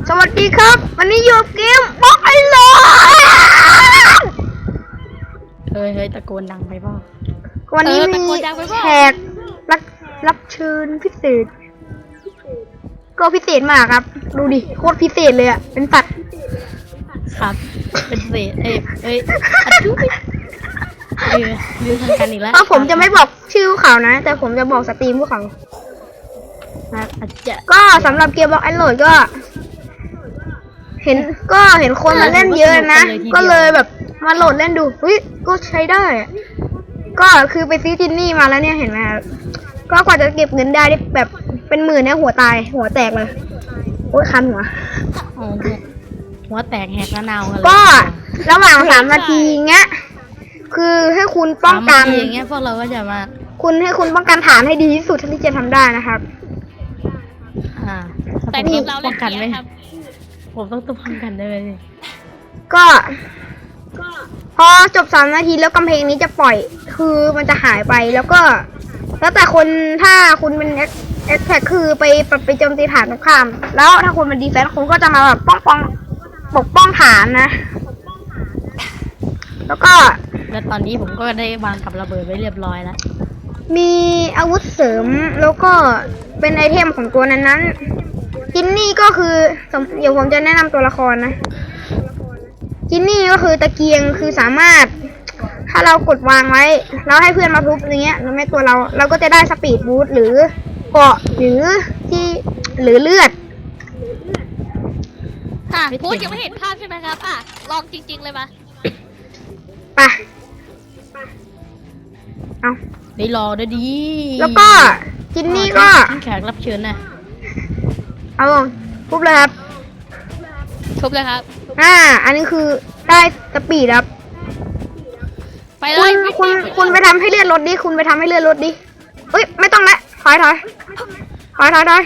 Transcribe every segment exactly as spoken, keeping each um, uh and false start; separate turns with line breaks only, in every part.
สวัสดีครับวันนี้อยู่เกมบล็อกไอโล
เฮ้ยเฮ้ยตะโกนดังไปบ้าง
วันนี้มีแขกรับรับเชิญพิเศษก็พิเศษมากครับดูดิโคตรพิเศษเลยอ่ะเป็นสัตว์
ครับเป็นเศษเอ้ยเอ้ยลืมลืมทำกันอีกแล้ว
ก็ผมจะไม่บอกชื่อเขานะแต่ผมจะบอกสตรีมพวกเขาก็สำหรับเกมบล็อกไอโหลดก็เห็นก็เห็นคนมาเล่นเยอะนะก็เลยแบบมาโหลดเล่นดูเฮ้ยก็ใช้ได้ก็คือไปซื้อจินนี่มาแล้วเนี่ยเห็นไหมครับก็กว่าจะเก็บเงินได้แบบเป็นหมื่นเนี่ยหัวตายหัวแตกเลยโอ้ยคันหัว
หัวแตกแหกกระนาวกันเลย
ก็ระหว่างสามนาทีเงี้ยคือให้คุณป้องกัน
อย่างเงี้ยพวกเราก็จะมา
คุณให้คุณป้องกันฐานให้ดีที่สุดที่จะทำได้นะครับ
อ่าแต่ทีมเราป้องกันไหมผมต้องต้องป้องกันได้เลย
ก็พอจบสามนาทีแล้วกำแพงนี้จะปล่อยคือมันจะหายไปแล้วก็แล้วแต่คนถ้าคุณเป็นเอ็กแท็กคือไปไปโจมตีฐานตรงข้ามแล้วถ้าคุณเป็นดีเฟนส์คุณก็จะมาแบบป้องป้องปกป้องฐานนะแล้วก็
แล้วตอนนี้ผมก็ได้วางกับระเบิดไว้เรียบร้อยแล้ว
มีอาวุธเสริมแล้วก็เป็นไอเทมของตัวนั้นนั้นจินนี่ก็คือเดี๋ยวผมจะแนะนำตัวละครนะจินนี่ก็คือตะเกียงคือสามารถถ้าเรากดวางไว้แล้วให้เพื่อนมาทุบอย่างเงี้ยแล้วแม่ตัวเราเราก็จะได้สปีดบูสต์หรือเกาะหรือที่หรือเลือด
ค่ะพูดยังไม่เห็นภาพใช่ไหมครับอ่ะลองจริงๆเลยมา
ไปเอา
ได้รอได้ดี
แล้วก็จินนี่ก็
แขกรับเชิญนะ
เอาทุบเลยครับ
ทุบเลยครับ
อ่าอันนี้คือได้สปีดครับ
ไปเลย
คุณคุณไปทำให้เลือดลดดิคุณไปทำให้เลือดลดดิเอ้ยไม่ต้องละถอยถอยถอยถอยถอย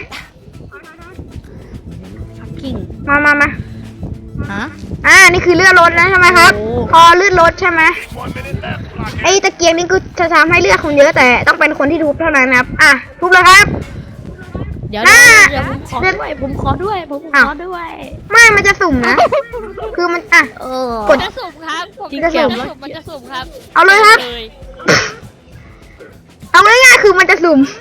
มามามา
ฮะ
อ่านี่คือเลือดลดนะใช่ไหมครับพอเลือดลดใช่ไหมไอ้ตะเกียงนี่ก็จะทำให้เลือดคุณเยอะแต่ต้องเป็นคนที่ทุบเท่านั้นนะครับอ่ะทุบเลยครับ
เดี๋ยวเดี๋ยวผมขอด้วยผมขอด้วยผมขอด้วย
ไม่มันจะสุ่มนะคือมันอ่ะ
กดจะสุ่มครับผมจะสุ่มมันจะสุ่มครับ
เอาเลยครับเอาง่ายๆคือมันจะสุ่ม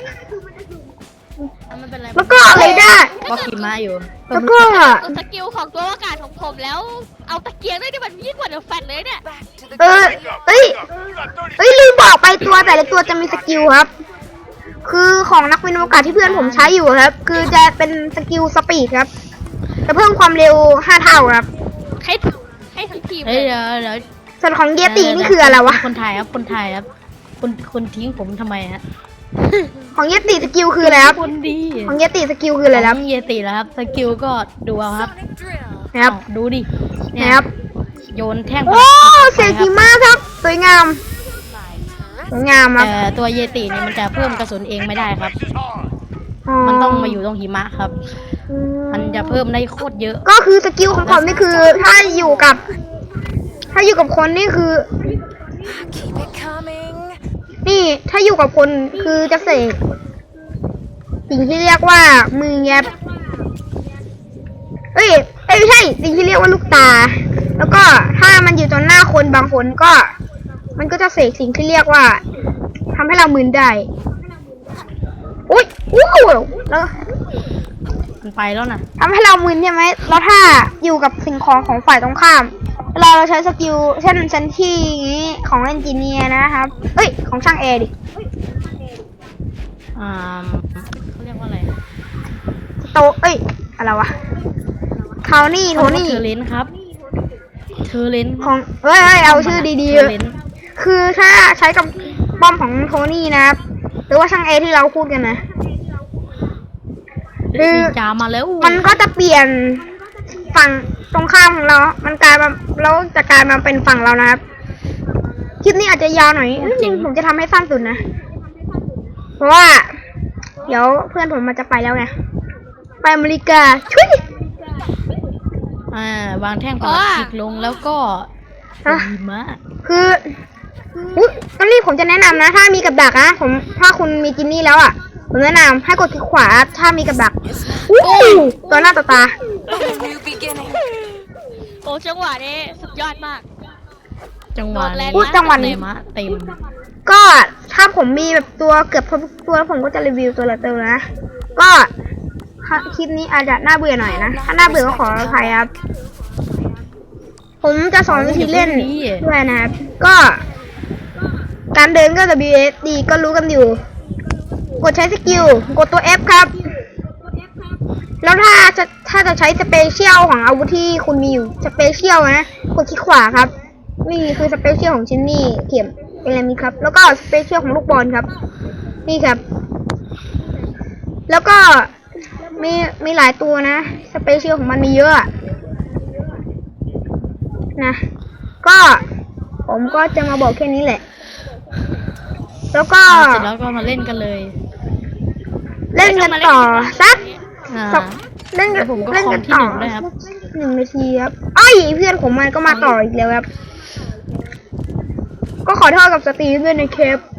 แล้วก็อะไรได้
ก็ขี่ม้าอยู่
แล้วก็
สกิลของตัวอากาศของผมแล้วเอาตะเกียงได้ที่มันยิ่งกว่าเดอะแฟตเลยเนี่ย
เออเอ้ยเอ้ยลืมบอกไปตัวแต่ละตัวจะมีสกิลครับคือของนักบินอวกาศที่เพื่อนผมใช้อยู่ครับคือจะเป็นสกิลสปีดครับจะเพิ่มความเร็วห้าเท่าครับ
ให้ให้ทั้งทีม
เฮ้ยเดี๋ยวเดี๋ยว
ส่วนของเยตินี่คืออะไรวะ
คนไทยครับคนไทยครับคนคนทิ้งผมทำไมฮะ
ของเยติสกิลคืออะไรครับ
คนดี
ของเยติสกิลคืออะไรครับ
เยติแล้วครับสกิลก็ดูเอาครับ
ครับ
ดูดิ
นะครับ
โยนแท่ง
โอ้เสียงดีมากครับสวยงามสวยงามครับ
แต่ตัวเยติเนี่ยมันจะเพิ่มกระสุนเองไม่ได้ครับมันต้องมาอยู่ตรงหิมะครับมันจะเพิ่มได้โคตรเยอะ
ก็คือสกิลของผมนี่คือถ้าอยู่กับถ้าอยู่กับคนนี่คือนี่ถ้าอยู่กับคนคือจะเสกสิ่งที่เรียกว่ามือแยบเอ้ยเอ้ยไม่ใช่สิ่งที่เรียกว่าลูกตาแล้วก็ถ้ามันอยู่ตรงหน้าคนบางคนก็มันก็จะเสกสิ่งที่เรียกว่าทำให้เรามึนได้อุ้ยอู้แล้ว
มันไปแล้วนะ
ทำให้เรามึนใช่ไหมแล้วถ้าอยู่กับสิ่งของของฝ่ายตรงข้ามเราเราใช้สกิลเช่นเช่นที่นี้ของเอนจิเนียร์นะครับเอ้ยของช่างแอร์ดิ
อ่าเขาเรียกว่าอะไร
โตเอ้ยอะไรวะเทานี่โทนี่
เทเลนครับเทเลน
ของเอ้ยเอาชื่อดีๆคือถ้าใช้กับป้อมของโทนี่นะครับหรือว่าช่างแอร์ที่เราพูดกันนะ
คือจามาแล้ว
มันก็จะเปลี่ยนฝั่งตรงข้ามของเรามันกลายมาแล้วจะกลายมาเป็นฝั่งเรานะครับคลิปนี้อาจจะยาวหน่อยผมจะทำให้สั้นสุดนะเพราะว่าเดี๋ยวเพื่อนผมมันจะไปแล้วไงไปอเมริกาช่วย
อ่าวางแท่งปลาติกลงแล้วก็ดีมาก
คือตอนนี้ผมจะแนะนำนะถ้ามีกับดักนะผมถ้าคุณมีจินนี่แล้วอ่ะผมแนะนำให้กดคลิกขวาถ้ามีกับดักอู้ตัวหน้าต่อตา
โอ้จังหวะนี้สุดยอดมาก
จังหวะ
โดนแรง
นี้
อุ๊ยจังหวะนี้
เต็มอะเต็ม
ก็ถ้าผมมีแบบตัวเกือบครบทุกตัวแล้วผมก็จะรีวิวตัวละตัวนะ ก็คลิปนี้อาจจะน่าเบื่อหน่อยนะ ถ้าน่าเบื่อก็ขออภัยครับ ผมจะสอนวิธีเล่นด้วยนะครับ ก็การเดินก็ ดับเบิลยู เอส ดี ก็รู้กันอยู่ กดใช้สกิล กดตัว F ครับ แล้วถ้าจะถ้าจะใช้สเปเชียลของอาวุธที่คุณมีอยู่สเปเชียลนะกดคลิกขวาครับ นี่คือสเปเชียลของชินนี่เข็มเป็นอะไรมีครับ แล้วก็สเปเชียลของลูกบอลครับ นี่ครับ แล้วก็มีมีหลายตัวนะสเปเชียลของมันมีเยอะนะ ก็ผมก็จะมาบอกแค่นี้แหละ แล้วก็
เสร็จแล้วก็มาเล่นกันเลย
เล่นกันต่อสัก
อ่า
สักเล่นกัน
ผมก็
เล่นกัน
คอมที่
ต่อ
หนึ่งด้วยครับ
หนึ่งนาทีครับอ้อยเพื่อนผมมันก็มาต่ออีกแล้วครับ ก็ขอโทษกับสตรีมด้วยในเคป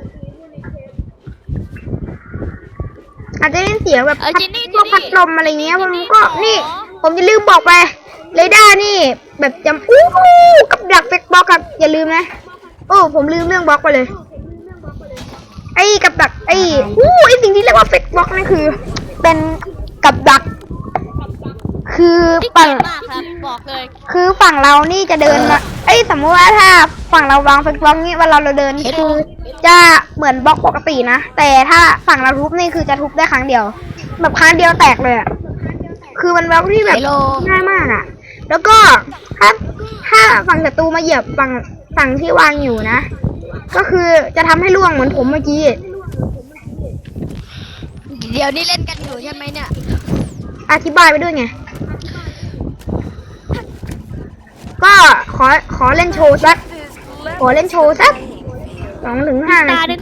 อาจจะเล่นเสียงแบบ
เออ
พัด
จินนี่
พวก
จินนี่
พัดลมอะไรเงี้ย
จิ
มัน
นนี่
ก็
ขอ
นี่ ผมจะลืมบอกไปเรดาร์นี่ แบบจำอู้หูกับดักเฟกบล็อกครับอย่าลืมนะโอ้ผมลืมเรื่องบล็อกไปเลย ไอ้กับดักไอ้อู้ไอ้สิ่งที่เรียกว่าเฟกบล็อกนั่นคือ เป็นกับดัก คือ
ที่
ฝั่
เก่
ง
งมากครับบอกเลย
คือฝั่งเรานี่จะเดินมาเอ้ยสมมติว่าถ้าฝั่งเราวางเฟกบล็อกนี้เวลาเราเดินคือจะเหมือนบล็อกปกตินะแต่ถ้าฝั่งเราทุบนี่คือจะทุบได้ครั้งเดียว แบบครั้งเดียวแตกเลยอะคือมันบล็อกที่แบบง่ายมากอะแล้วก็ถ้าถ้าฝั่งศัตรูมาเหยียบฝั่งฝั่งที่วางอยู่นะ ก็คือจะทำให้ล่วงเหมือนผมเมื่อกี้
เดี๋ยวนี้เล่นกันอยู่ใช่ไหมเนี่ย
อธิบายไปด้วยไง ก็ขอขอเล่นโชว์สัก ขอเล่นโชว์สักสองถึงห้า
ตา
นา
ดึ
ที
ง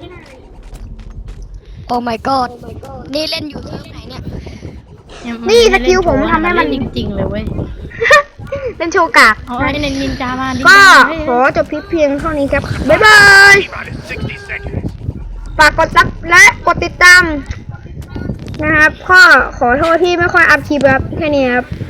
โอ้ my god นี่เล่นอยู่เซิร์ฟไหนเนี่ย
นี่สกิลผมทำให้มัน
จริงๆเลยเว้ย
เล่นโชว์กาก
เอาไอ้ในนินจามาดิ
ก็
ให้
ขอจบคลิปเพียงเท่านี้ครับ บ๊ายบาย ฝากกดซับและกดติดตามนะครับ ก็ขอโทษที่ไม่ค่อยอัพคลิปครับ แค่นี้ครับ